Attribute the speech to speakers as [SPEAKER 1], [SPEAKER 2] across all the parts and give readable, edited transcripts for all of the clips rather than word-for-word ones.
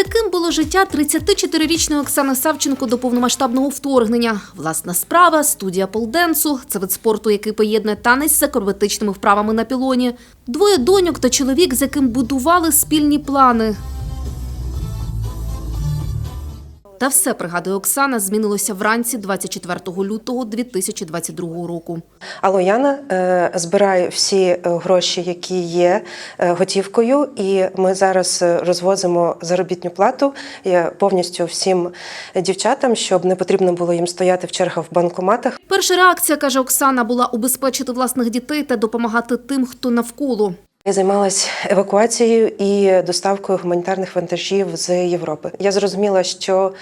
[SPEAKER 1] Яким було життя 34-річної Оксани Савченко до повномасштабного вторгнення? Власна справа, студія полденсу – це вид спорту, який поєднує танець з акробатичними вправами на пілоні. Двоє доньок та чоловік, з яким будували спільні плани. Та все, пригадує Оксана, змінилося вранці 24 лютого 2022 року.
[SPEAKER 2] Алло, Яна, збирай всі гроші, які є готівкою, і ми зараз розвозимо заробітну плату повністю всім дівчатам, щоб не потрібно було їм стояти в чергах в банкоматах.
[SPEAKER 1] Перша реакція, каже Оксана, була убезпечити власних дітей та допомагати тим, хто навколо.
[SPEAKER 2] Я займалась евакуацією і доставкою гуманітарних вантажів з Європи. Я зрозуміла, що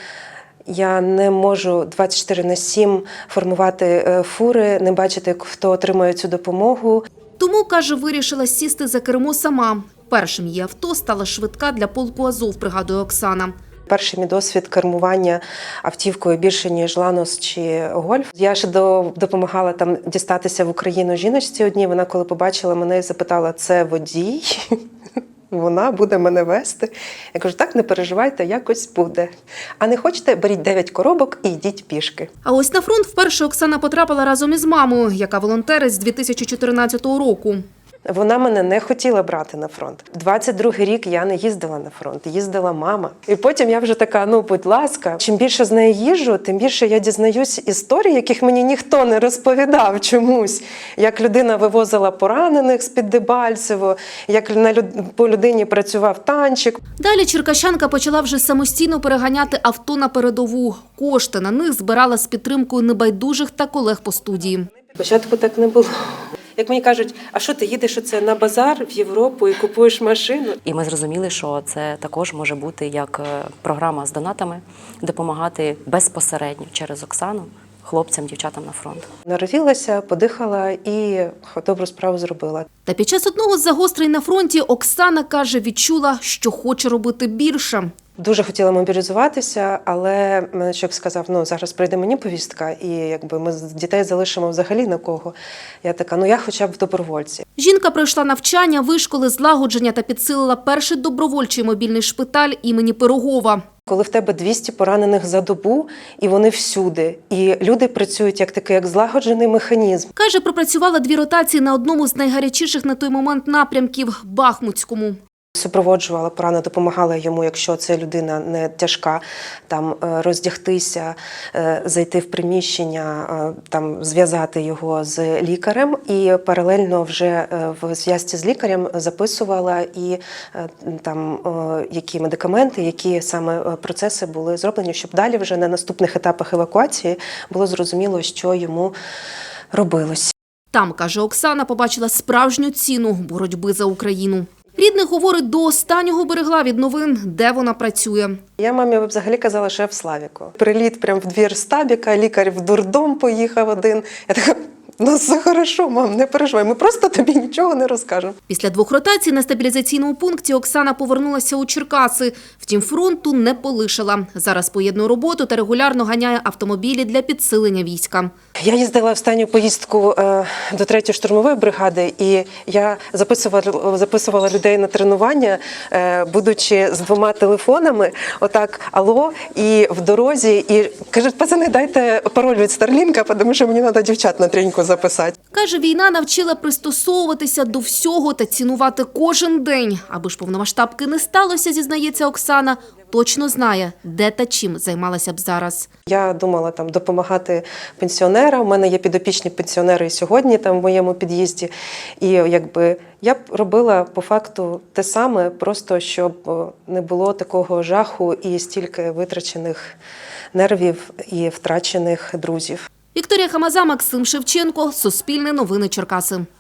[SPEAKER 2] я не можу 24/7 формувати фури, не бачити, хто отримує цю допомогу.
[SPEAKER 1] Тому, каже, вирішила сісти за кермо сама. Першим її авто стала швидка для полку «Азов», пригадує Оксана.
[SPEAKER 2] Перший мій досвід кермування автівкою більше, ніж «Ланос» чи «Гольф». Я ще допомагала там дістатися в Україну жіночці одній. Вона, коли побачила мене, запитала: «Це водій? Вона буде мене вести?» Я кажу: «Так, не переживайте, якось буде. А не хочете, беріть 9 коробок і йдіть пішки».
[SPEAKER 1] А ось на фронт вперше Оксана потрапила разом із мамою, яка волонтерить з 2014 року.
[SPEAKER 2] Вона мене не хотіла брати на фронт. 22-й рік я не їздила на фронт, їздила мама. І потім я вже така: ну, будь ласка, чим більше з нею їжджу, тим більше я дізнаюсь історій, яких мені ніхто не розповідав чомусь. Як людина вивозила поранених з-під Дебальцево, як по людині працював танчик.
[SPEAKER 1] Далі черкащанка почала вже самостійно переганяти авто на передову. Кошти на них збирала з підтримкою небайдужих та колег по студії.
[SPEAKER 2] Спочатку так не було. Як мені кажуть: а що ти їдеш оце на базар в Європу і купуєш машину?
[SPEAKER 3] І ми зрозуміли, що це також може бути як програма з донатами, допомагати безпосередньо через Оксану хлопцям, дівчатам на фронт.
[SPEAKER 2] Народилася, подихала і добру справу зробила.
[SPEAKER 1] Та під час одного з загострень на фронті Оксана, каже, відчула, що хоче робити більше.
[SPEAKER 2] Дуже хотіла мобілізуватися, але чоловік сказав: ну, зараз прийде мені повістка, і якби ми дітей залишимо взагалі на кого. Я така: я хоча б в добровольці.
[SPEAKER 1] Жінка пройшла навчання, вишколи, злагодження та підсилила перший добровольчий мобільний шпиталь імені Пирогова.
[SPEAKER 2] Коли в тебе 200 поранених за добу, і вони всюди, і люди працюють як злагоджений механізм.
[SPEAKER 1] Каже, пропрацювала 2 ротації на одному з найгарячіших на той момент напрямків – Бахмутському.
[SPEAKER 2] Супроводжувала пораненого, допомагала йому, якщо це людина не тяжка, там роздягтися, зайти в приміщення, там зв'язати його з лікарем, і паралельно вже в зв'язці з лікарем записувала і там які медикаменти, які саме процеси були зроблені, щоб далі вже на наступних етапах евакуації було зрозуміло, що йому робилось.
[SPEAKER 1] Там, каже Оксана, побачила справжню ціну боротьби за Україну. Рідних, говорить, до останнього берегла від новин, де вона працює.
[SPEAKER 2] Я мамі взагалі казала, що я в Славіку. Приліт прямо в двір стабіка, лікар в дурдом поїхав один. Я така: ну, все хорошо, мам, не переживай, ми просто тобі нічого не розкажемо.
[SPEAKER 1] Після 2 ротацій на стабілізаційному пункті Оксана повернулася у Черкаси. Втім, фронту не полишила. Зараз поєднує роботу та регулярно ганяє автомобілі для підсилення війська.
[SPEAKER 2] Я їздила останню поїздку до 3-ї штурмової бригади, і я записувала людей на тренування, будучи з 2 телефонами, отак: алло, і в дорозі, і кажуть: пацани, дайте пароль від Старлінка, тому що мені треба дівчат на тренінку записати.
[SPEAKER 1] Каже, війна навчила пристосовуватися до всього та цінувати кожен день. Аби ж повномасштабки не сталося, зізнається Оксана, точно знає, де та чим займалася б зараз.
[SPEAKER 2] Я думала там допомагати пенсіонерам. У мене є підопічні пенсіонери і сьогодні там в моєму під'їзді. І якби я б робила по факту те саме, просто щоб не було такого жаху і стільки витрачених нервів і втрачених друзів.
[SPEAKER 1] Вікторія Хамаза, Максим Шевченко, Суспільне новини Черкаси.